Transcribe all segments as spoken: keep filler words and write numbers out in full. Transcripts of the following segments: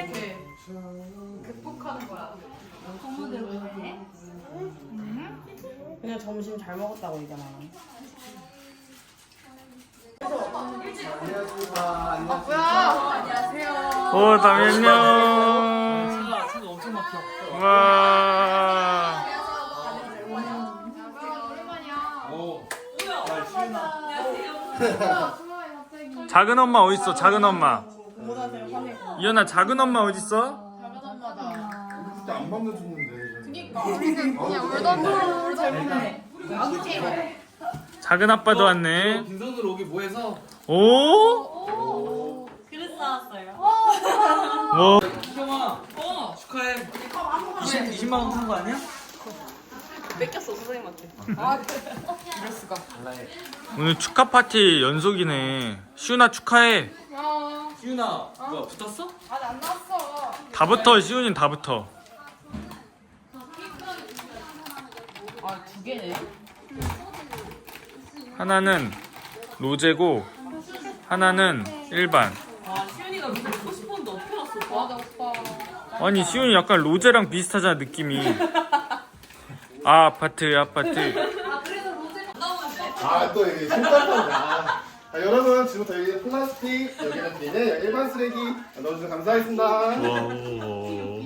이렇게 극복하는 거야. 고모들 왜? 그냥 점심 잘 먹었다고 얘기하나. 아 뭐야? 안녕하세요. 오, 다미 안녕. 차가 차가 엄청 막혀. 와. 오랜만이야. 오. 야, 시윤아. 작은 엄마 어디 있어? 작은 엄마. 고모한테 화내고. 이현아, 작은 엄마 어디 있어? 작은 엄마다. 그때 안 만나줬는데. 그니까 우리는 그냥 울던 대로 잘못해. 아구지. 작은 아빠도 왔네. 빈손으로 오기 뭐해서. 오? 그릇 나왔어요. 뭐? 희경아. 어. 축하해. 이십 이십만 원 산 거 아니야? 뺏겼어 선생님한테. 이럴 수가. 달라해. 오늘 축하 파티 연속이네. 시훈아 축하해. 아, 시윤아, 뭐야 붙었어? 아직 안 나왔어. 다 붙어. 시훈이는 다 붙어. 아 두 개네. 하나는 로제고 하나는 일반. 아, 시윤이가 이거 먹고 싶었는데 어떻게 왔어? 맞아 오빠. 아니 시훈이 약간 로제랑 비슷하잖아 느낌이. 아 아파트 아파트. 아, 그래서 로제가 안 나오는데? 아, 또 이게 신발판이다. 자, 여러분, 지금부터 여기 플라스틱, 여기는 비닐, 여기 일반 쓰레기 넣어주셔서 감사하겠습니다. 와.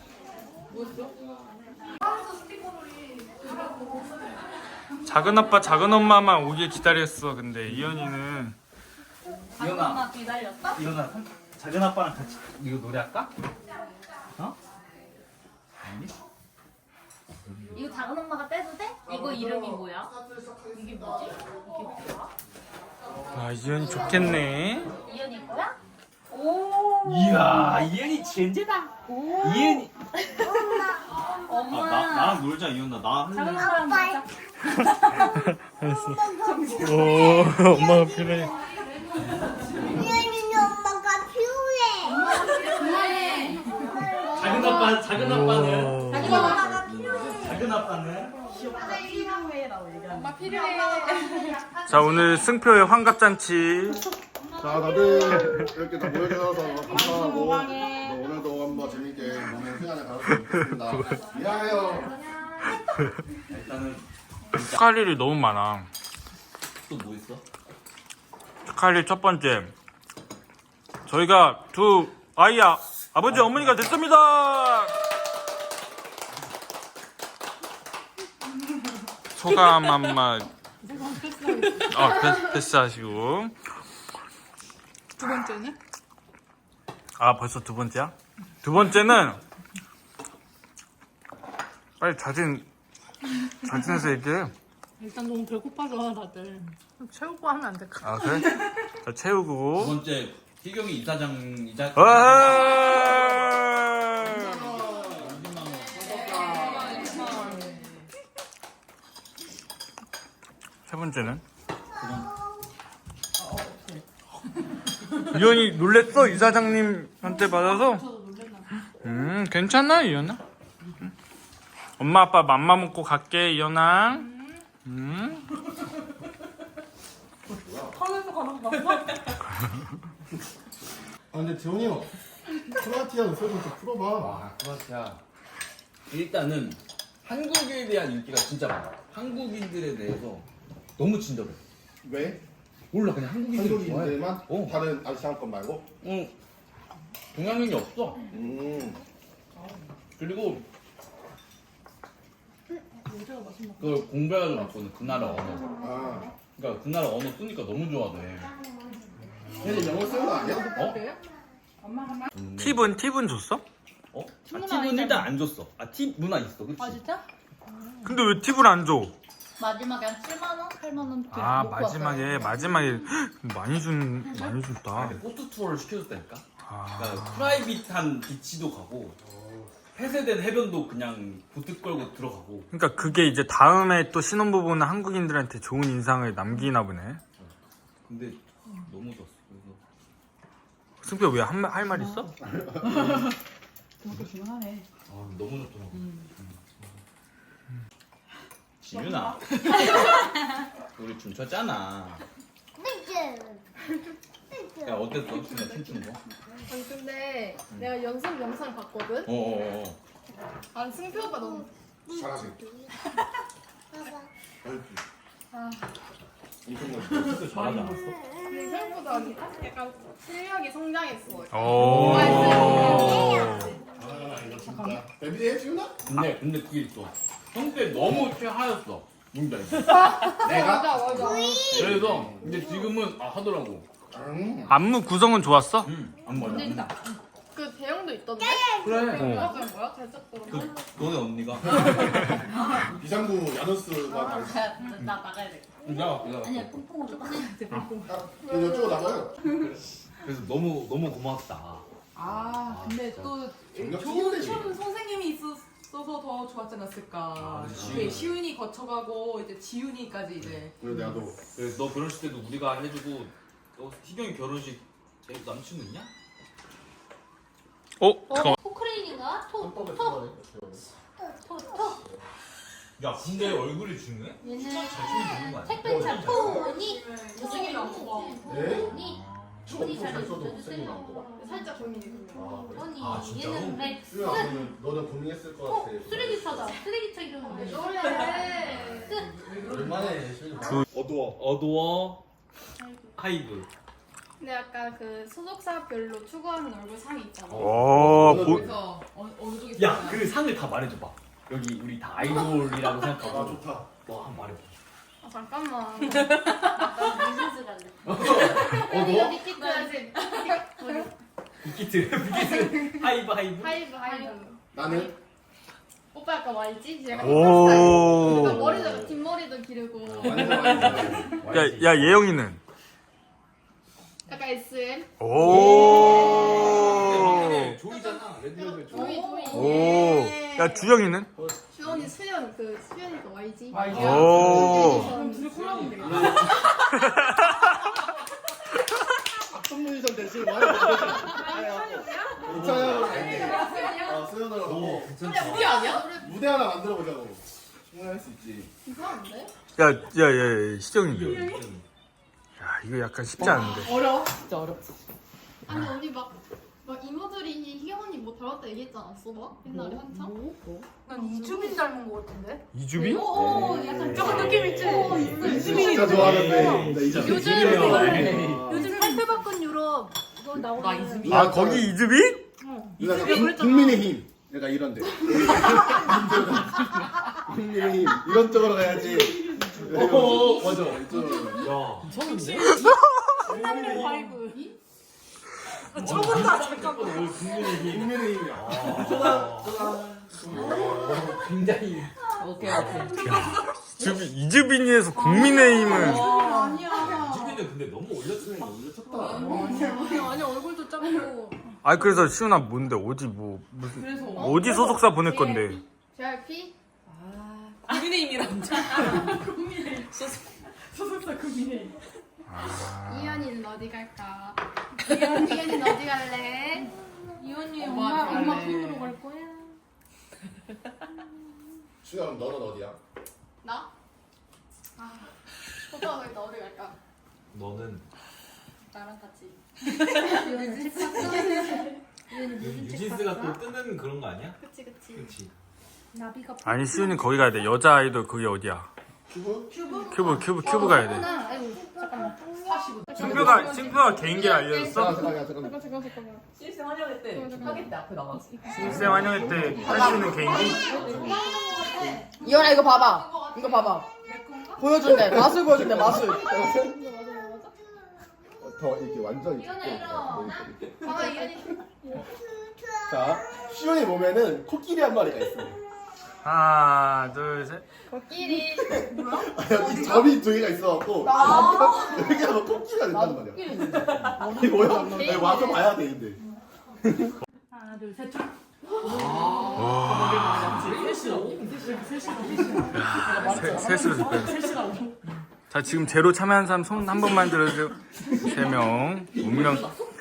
작은 아빠 작은 엄마만 오길 기다렸어. 근데 이현이는 이현아. 엄마 기다렸어? 이현아, 작은 아빠랑 같이 이거 노래할까? 어? 아니? 이거 작은 엄마가 떼도 돼? 이거 이름이 뭐야? 이게 뭐지? 이게 뭐야? 아 이현이 좋겠네. 이현이 거야? 오. 이야, 이현이 젠제다. 이현이. 엄마. 아, 나 나랑 놀자 이현아. 나 작은 할래. 엄마랑 놀자. 알았어. 오 엄마가 필요해. 이현이는 엄마가 필요해. 그만해. 작은 아빠, 작은 아빠는. 자기 엄마가 필요해. 작은 아빠는. 엄마 필요해. 자 오늘 승표의 환갑잔치. 자, 다들 이렇게 다 모여주셔서 감사하고 네, 오늘도 한번 재밌게 노는 시간을 가졌으면 좋겠습니다. 미안해요. 일단은 축하할 일이 너무 많아. 또 뭐 있어? 축하할 일 첫 번째. 저희가 두 아이야 아버지 어머니가 됐습니다. 소감 한마. 아 패스, 패스하시고. 두 번째는? 아 벌써 두 번째야? 두 번째는 빨리 자진 자진해서 얘기해. 일단 너무 배고파져 다들. 채우고 하면 안 될까? 아 그래? 자 두 채우고. 번째 희경이 이사장 이자. 아~ 세 번째는? 이현이 놀랬어? 이사장님한테 받아서? 음 괜찮아 이현아? 응. 엄마 아빠 맘마 먹고 갈게 이현아. 음. 하늘도 가는 거 봤어? 아, 근데 재훈이 형, 크로아티아 의사 좀 풀어봐. 와, 크로아티아. 일단은 한국에 대한 인기가 진짜 많아. 한국인들에 대해서 너무 친절해. 왜? 몰라, 그냥 한국인들 좋아해. 한국인들만? 어. 다른 아시안 건 말고? 응. 동양인이 없어. 음. 그리고 그걸 공부해가지고 왔거든. 그 나라 언어. 아. 그러니까 그 나라 언어 쓰니까 너무 좋아해. 걔는 영어 쓰는 거 아니야? 어? 팁은 팁은 줬어? 어? 아, 팁은 일단 안 줬어. 아, 팁 문화 있어, 그치? 아, 진짜? 근데 왜 팁을 안 줘? 마지막에 한 칠만 원? 팔만 원? 이렇게 아 놓고 마지막에 왔어요. 마지막에 많이 준 많이 줬다. 근데 포트 투어를 시켜줬다니까? 아, 그러니까 프라이빗한 비치도 가고 폐쇄된 해변도 그냥 보트 끌고 들어가고. 그러니까 그게 이제 다음에 또 신혼부부는 한국인들한테 좋은 인상을 남기나 보네. 근데 너무 좋았어. 그래서 승표 왜 할 말 있어? 그것도 중요하네. 아, 너무 좋더라고. 지윤아, 우리 춤췄잖아. 야, 어땠어? 지윤아 춤추는 거? 아니 근데 내가 연습 영상 봤거든. 어어어. 아 승표 오빠 너무 잘하지. 아 엄청 멋있어. 잘하다. 근데 생각보다 약간 실력이 성장했어. 오. 아 이거 진짜. 데뷔해 지훈아? 근데 근데 그게 있어. 형 때 너무 최하였어. 뭔지 알지? 내가? 맞아 맞아. 그래서 근데 지금은 아 하더라고. 응. 안무 구성은 좋았어? 응. 안 맞아. 그 대형도 있던데. 그래. 뭐가 그냥 뭐야? 대적으로. 너네 언니가. 비상구 야누스가 다 있어. 나 나가야 돼. 나 그냥. 아니야 퐁퐁으로 좀 꺼내야 돼. 아, 이쪽으로 나가요. 그래서 너무 너무 고맙다. 아, 근데 또 전력 좋은 튀겨내지. 춤 선생님이 있었어서 더 좋았지 않았을까. 아, 그치. 네, 시윤이 거쳐가고 이제 지윤이까지 이제. 그리고 내가 또 그래서 너 결혼식 때도 우리가 해주고 너 희경이 결혼식 애 남친구 있냐? 어? 잠깐만. 포크레인인가? 톡, 헌법에 톡, 들어가네. 톡, 톡. 야 근데 얼굴이 중요해? 얘는 되는 거 아니야? 택배차 토니. 못생긴 안 뽑아. 네? 토니. 저 토니 잘 써도 잘해주세요. 못생긴 안 뽑아. 살짝 고민이 돼. 아 그래? 토니. 아, 진짜로? 얘는 맥스. 수야 너는 너는 고민했을 것 어, 같아. 쓰레기차다. 쓰레기차 이름은 뭐야? 그래. 오랜만에 시윤이 어두워. 어두워. 하이브. 근데 약간 그 소속사별로 추구하는 얼굴 상이 있잖아. 오. 보... 그래서 어느, 어느 쪽에 야 그 상을 다 말해줘봐. 여기 우리 다 아이돌이라고 아 생각하고. 좋다. 너 한번 말해봐. 아 잠깐만. 나 비즈니스 갈래. 어 너? 니키트 하지. 빅히트 빅히트 하이브 하이브. 하이브 하이브. 나는 오빠 약간 와이지? 약간 오. 힙합 머리도 뒷머리도 기르고. 완전 완전. 야, 야 예영이는? 약간 에스엠. 오. 네, 조이잖아. 레드벨벳 조이. 조이 조이. 오. 야 주영이는? 주원이 수연 그 수연이 그 와이지. 와이지. 오. 그럼 둘이 콜라보면 되겠다. 선문이선 대신 말해. 이차야. 아 수연으로 하고 우리 아니야? 무대 하나 만들어 보자고. 충분할 수 있지. 이상한데? 야, 야, 야, 야 시정이. 야 이거 약간 쉽지 않은데. 어려워. 진짜 어려워. 아니 언니 막, 막 이모들이 희경 언니 뭐 닮았다 얘기했지 않았어? 막 옛날에 한참? 난 이주빈 닮은 거 같은데? 이주빈? 오 약간 조금 느낌 있지? 이주빈이 진짜 좋아하는데. 나 이주빈. 요즘 요즘 살펴바꾼 유럽 이거 나 나오는 이수빈. 아 거기 이주빈? 누나 국- 국민의힘. 내가 이런데. 국민의힘 이런 쪽으로 가야지. 어, 맞아. 이쪽으로. 야. 미쳤는데? 화이브. 처음부터 잠깐만. 국민의힘. 국민의힘이야. 아. 굉장히. 오케이, 오케이. 이주빈, 이주빈이에서 국민의힘은 아니야. 이주빈은 근데 너무 올렸으면 올렸었다. 아니야 아니 얼굴도 작고 아 그래서 시훈아 뭔데 어디 뭐 무슨 그래서. 어디 소속사 보낼 건데? 제이알피? 아, 국민의힘이랑. 국민의힘. 소속, 소속사 국민의힘. 이현이는 어디 갈까? 이현, 이현이는 어디 갈래? 이혼이 엄마, 엄마 엄마 갈래. 핀으로 갈 거야. 수영 너는 어디야? 나? 아 오빠가 왜 어디 갈까? 너는 나랑 같이. 유진스가 또 뜨는 그런 거 아니야? 그치 그치 그렇지. 나비가 아니 시훈이 거기 가야 돼. 여자 아이돌 그게 어디야? 큐브? 큐브 큐브 큐브 가야 돼. 아이고 잠깐만. 사십오. 승표가 승표가 개인기를 알려줬어? 잠깐만 잠깐만. 잠깐 잠깐 잠깐만 실생 환영회 때 하겠대 앞에 나가서. 신생 환영회 때 할 수 있는 개인기? 이현아 이거 봐봐. 이거 봐봐. 보여준대. 마술 보여준대. 마술. 더 이렇게 완전히 이거는 좁게. 이런. 봐봐 이현이 자, 시온이 보면은 코끼리 한 마리가 있어. 하나 둘 셋. 코끼리 이 점이 두 개가 있어갖고 여기 하면 코끼리가 된단 말이야. 이게 뭐야? 아니, 와서 봐야 돼 근데. 하나 둘 셋. 세, 셋으로 셋. 자 지금 제로 참여한 사람 손 한 번만 들어주세요. 세 명. 운명.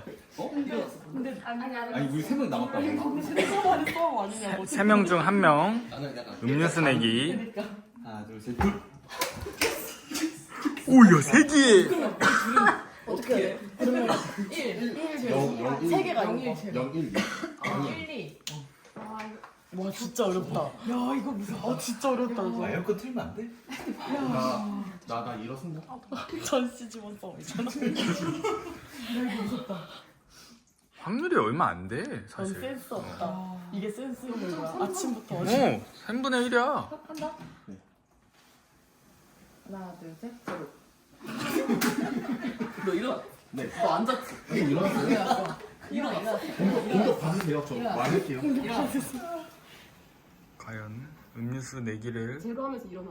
아니 우리 세 명 남았다고. 세 명 중 한 명. 나는 약간 음료수 내기. 하나 둘 셋. 둘. 오야 세 개. 어떻게 해? 그러면 일, 일, 영, 영, 일. 세 개가 영, 이거. 일, 제로. 영, 일, 이. 일, 이. 와 진짜 어렵다. 야 이거 무서워. 아 진짜 어렵다. 이거. 에어컨 틀면 안 돼? 나, 나, 나 일어선다. 전시 지원 싸움이잖아. 확률이 얼마 안 돼, 전 사실. 센스 없다. 이게 센스 있는 거야. 아침부터. 어, 삼분의 일이야. 한다. 하나 둘 셋. 제로. 너 일어나. 네. 너 앉았지? 네, 일어났어요. 일어났어. 일어났어. 공격, 공격 받으세요. 저 말할게요. 과연 음료수 내기를. 제로 하면서 일어나.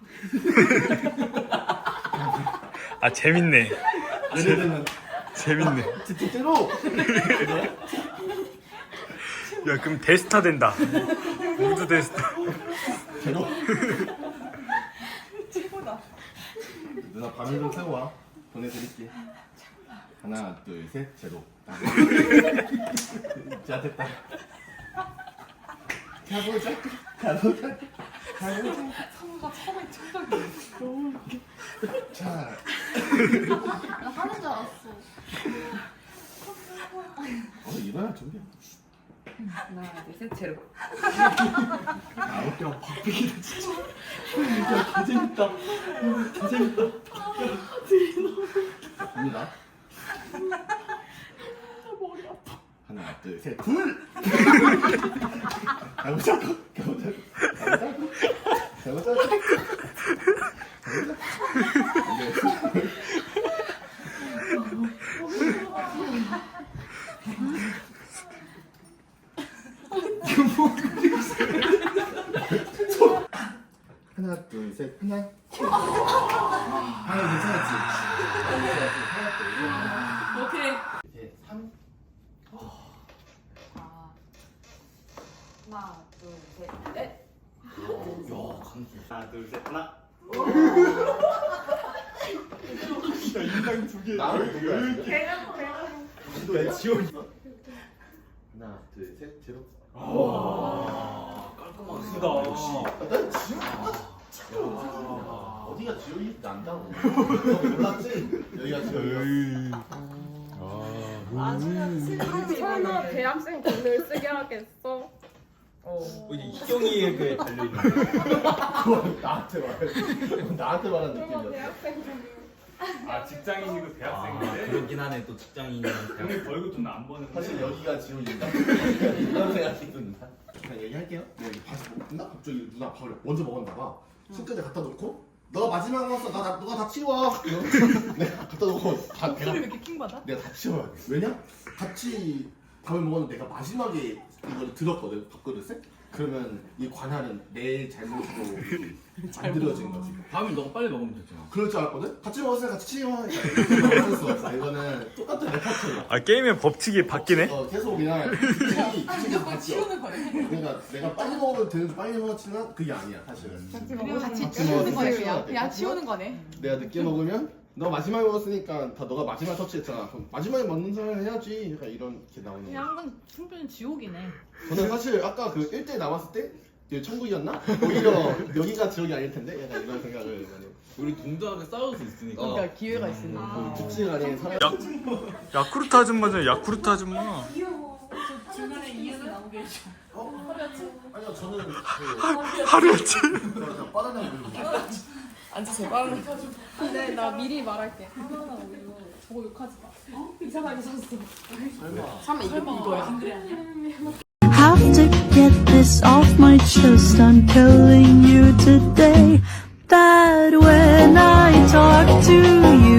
아, 재밌네. 얘네들은 재밌네. 진짜로. 야, 그럼 데스타 된다. 모두 데스타. 제로. 누나 밤을 좀 세워와. 보내드릴게. 하나, 둘, 셋, 제로. 자, 됐다. 가보자. 가보자. 가보자. 성우가 처음에 충격이야. 너무 웃겨. 자, 나 하는 줄 알았어. 어, 일어나, 준비야. 하나 둘 셋. 제로. 아, 어때요? 박빙이다, 진짜. 야, 개재밌다. 개재밌다. 자, 갑니다. 머리 아파. 하나, 둘, 셋, 둘! 가보자고, 가보자고, 가보자고, 가보자고. 하나, 둘, 셋, 하나. 하나, 괜찮았지? 오케이. 셋, 삼. 하나 둘 셋. 넷. 야, 강수. 하나, 둘, 셋, 하나. 야, 인상 두 개. 나를 누구야? 배가 배가. 왜 지원이? 하나, 둘, 셋, 제로. 깔끔하다. 역시. 난 지원. 어디가 지원이 난다고. 너 몰랐지? 여기가 지원이. 설마 대학생 돈을 쓰게 하겠어? 어, 이제 이경이의 그 달려있는 거. 그건 나한테 말. 나한테 말한 느낌이었어. 대학생 돈. 아, 직장인이고 아, 그렇긴 하네. 또 직장인이랑 대학. 벌금 돈 안 버는 사실 여기가 지원인가? 이런 생각이 든다. 그냥 얘기할게요. 내가 이렇게 다시 먹는다? 갑자기 누나 밥을 먼저 먹었나 봐. 싱크대 갖다 놓고 너 마지막 왔어. 나, 나 너가 다 치워. 이러면서 내가 갖다 놓고 다 내가 왜 이렇게 킹 받아? 내가 다 치워야 돼. 왜냐? 같이 밥을 먹었는데 내가 마지막에 이걸 들었거든, 밥그릇에. 그러면 이 관할은 내 잘못으로 만들어진 거지. 밥을 너가 빨리 먹으면 됐잖아. 그럴 줄 알았거든? 같이 먹었으니까 같이 치워. 어쩔 수 없어. 이거는 똑같은 레파토리야. 아, 게임의 법칙이 바뀌네? 어, 계속 그냥 규칙이 규칙에서 바뀌어. 치우는 거네. 그러니까 내가 빨리 먹으면 되는지 빨리 먹었지만 그게 아니야 사실은. 같이 같이 치우는 거네, 그냥. 그냥 치우는 거네. 내가 늦게 먹으면 너 마지막에 먹었으니까 다 너가 마지막 터치했잖아. 그럼 마지막에 먹는 사람 해야지. 약간 이런 게 나오는 거야. 양은 충분히 지옥이네. 저는 사실 아까 그 일 대 남았을 때 이게 천국이었나? 오히려 여기가 지옥이 아닐 텐데 약간 이런 생각을 많이 해요. 우리 동등하게 싸울 수 있으니까. 그러니까 기회가 있으니까. 아. 그 규칙 안에 살아. 야쿠르트 아줌마잖아, 야쿠르트 아줌마. 중간에 이유는 나오게 해줘. 어? 아니요 저는 그 하루였지? 그냥 바나나 우유. 앉으세요. 빠른. 근데 나 미리 말할게. 하나나 우유 저거 욕하지 마. 이상하게 샀어. 삼 이거 이거야. Have to get this off my chest. I'm telling you today that when I talk to you